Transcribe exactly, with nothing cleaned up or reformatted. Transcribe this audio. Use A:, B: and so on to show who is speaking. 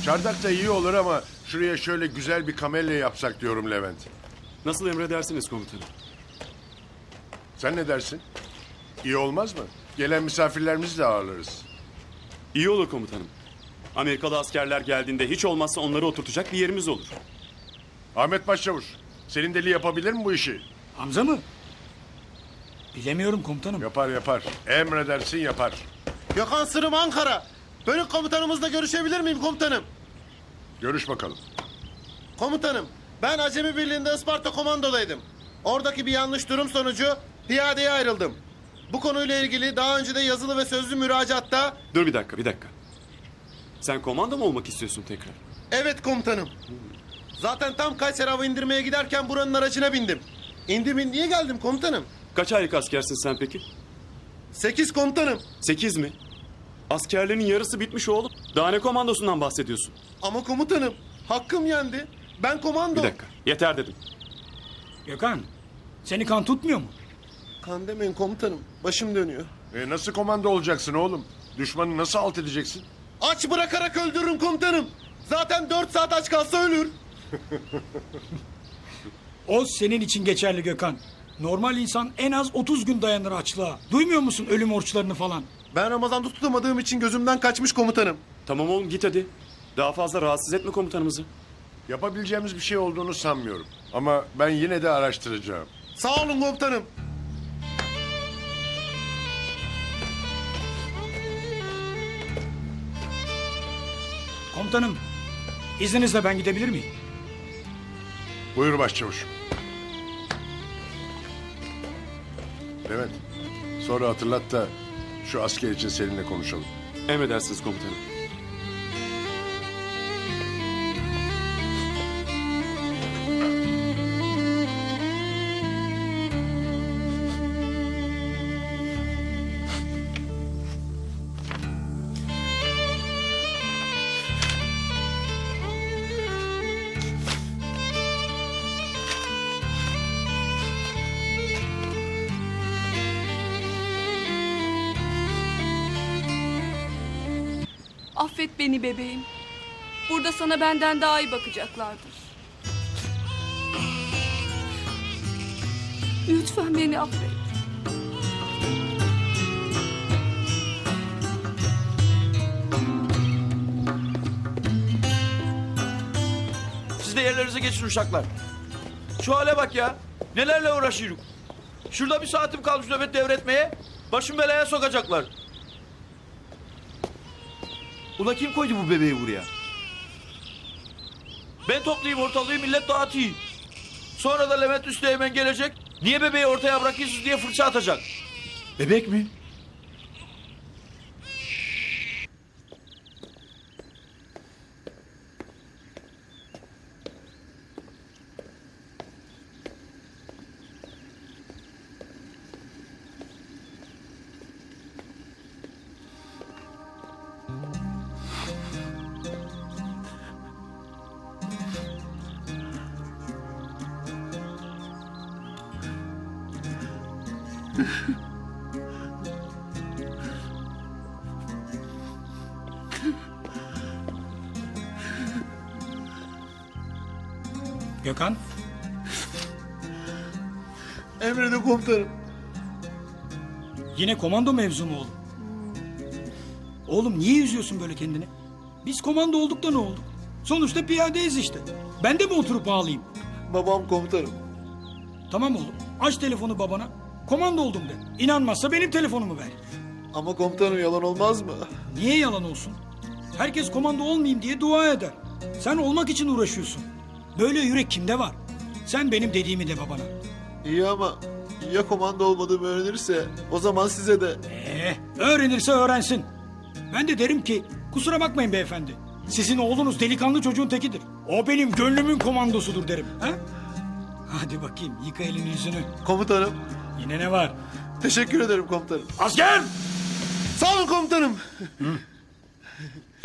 A: Çardak da iyi olur ama şuraya şöyle güzel bir kamelya yapsak diyorum Levent.
B: Nasıl emredersiniz komutanım?
A: Sen ne dersin? İyi olmaz mı? Gelen misafirlerimizi de ağırlarız.
B: İyi olur komutanım. Amerikalı askerler geldiğinde hiç olmazsa onları oturtacak bir yerimiz olur.
A: Ahmet Başçavuş, senin deli yapabilir mi bu işi?
C: Hamza mı? Bilemiyorum komutanım.
A: Yapar yapar. Emredersin yapar.
D: Gökhan Sırım Ankara. Bölük komutanımızla görüşebilir miyim komutanım?
A: Görüş bakalım.
D: Komutanım, ben Acemi Birliği'nde Isparta komandodaydım. Oradaki bir yanlış durum sonucu piyadeye ayrıldım. Bu konuyla ilgili daha önce de yazılı ve sözlü müracaatta...
B: Dur bir dakika, bir dakika. Sen komando mu olmak istiyorsun tekrar?
D: Evet komutanım. Zaten tam Kayseri hava indirmeye giderken buranın aracına bindim. İndim indiye geldim komutanım.
B: Kaç aylık askersin sen peki?
D: Sekiz komutanım.
B: Sekiz mi? Askerlerin yarısı bitmiş oğlum. Daha ne komandosundan bahsediyorsun?
D: Ama komutanım, hakkım yendi. Ben komando...
B: Bir dakika, yeter dedim.
C: Gökhan, seni kan tutmuyor mu?
D: Kan demeyin komutanım, başım dönüyor.
A: E nasıl komando olacaksın oğlum? Düşmanı nasıl alt edeceksin?
D: Aç bırakarak öldürürüm komutanım. Zaten dört saat aç kalsa ölür.
C: O senin için geçerli Gökhan. Normal insan en az otuz gün dayanır açlığa. Duymuyor musun ölüm orçlarını falan?
D: Ben Ramazan'da tutamadığım için gözümden kaçmış komutanım.
B: Tamam oğlum git hadi. Daha fazla rahatsız etme komutanımızı.
A: Yapabileceğimiz bir şey olduğunu sanmıyorum. Ama ben yine de araştıracağım.
D: Sağ olun komutanım.
C: Komutanım, izninizle ben gidebilir miyim?
A: Buyur başçavuşum. Levent, sonra hatırlat da şu asker için seninle konuşalım.
B: Emredersiniz komutanım.
E: Affet beni bebeğim. Burada sana benden daha iyi bakacaklardır. Lütfen beni affet.
F: Siz de yerlerinize geçin uşaklar. Şu hale bak ya. Nelerle uğraşıyoruz. Şurada bir saatim kalmış nöbet devretmeye. Başım belaya sokacaklar. Ula kim koydu bu bebeği buraya? Ben toplayayım ortalığı millet dağıtayım. Sonra da Levent Üsteğmen gelecek. Niye bebeği ortaya bırakıyorsunuz diye fırça atacak. Bebek mi?
C: Gökhan,
D: Emredin komutanım.
C: yine komando mevzu mu oğlum? Oğlum niye üzüyorsun böyle kendini? Biz komando olduk da ne olduk? Sonuçta piyadeyiz işte. Ben de mi oturup ağlayayım?
D: Babam komutanım.
C: Tamam oğlum, aç telefonu babana. Komando oldum de. İnanmazsa benim telefonumu ver.
D: Ama komutanım yalan olmaz mı?
C: Niye yalan olsun? Herkes komando olmayayım diye dua eder. Sen olmak için uğraşıyorsun. Böyle yürek kimde var? Sen benim dediğimi de babana.
D: İyi ama ya komando olmadığımı öğrenirse o zaman size de...
C: Ee, öğrenirse öğrensin. Ben de derim ki kusura bakmayın beyefendi. Sizin oğlunuz delikanlı çocuğun tekidir. O benim gönlümün komandosudur derim. Ha? Hadi bakayım yıka elini yüzünü.
D: Komutanım,
C: Yine ne var?
D: teşekkür ederim komutanım.
C: Asker!
D: Sağ olun komutanım.